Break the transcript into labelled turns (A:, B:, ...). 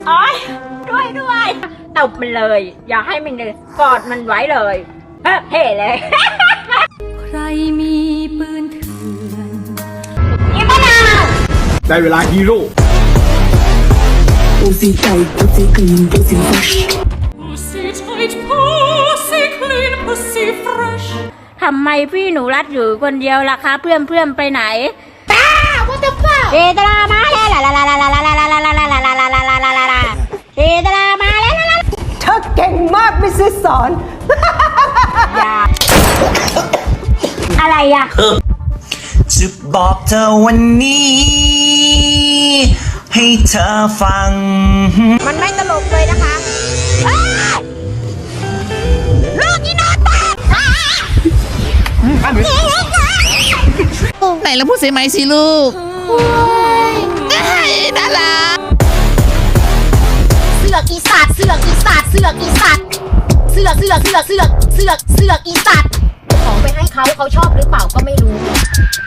A: โอ๊ยด้วยตบมันเลย อย่าให้มันเลยกอดมันไว้เลยเฮ้เลย
B: ใครมีปืนเถื่อน
A: อีมะนาว
C: ได้เวลาฮีโร่
D: Pussy tight, pussy clean, pussy fresh.
B: Pussy tight, pussy clean, pussy fresh
A: ทำไมพี่หนูรัดอยู่คนเดียวล่ะคะเพื่อนไปไหนป้าว่าจะป้าเจตนามาแล้วเจตนามาแล้ว
E: เธอเก่งมากมิสซิสสอน
A: อย่าอะไรอ่ะ
F: จะบอกเธอวันนี้ ให้เธอฟัง
A: มันไม่ตลกเลยนะคะลูกอีนอนตา
G: ไหนแล้วพูดเสียไหมสิลูกน่ารัก
A: เสือกอีสัตว์เสือกอีสัตว์เสือกอีสัตว์เสือกอีสัตว์ของไปให้เขาชอบหรือเปล่าก็ไม่รู้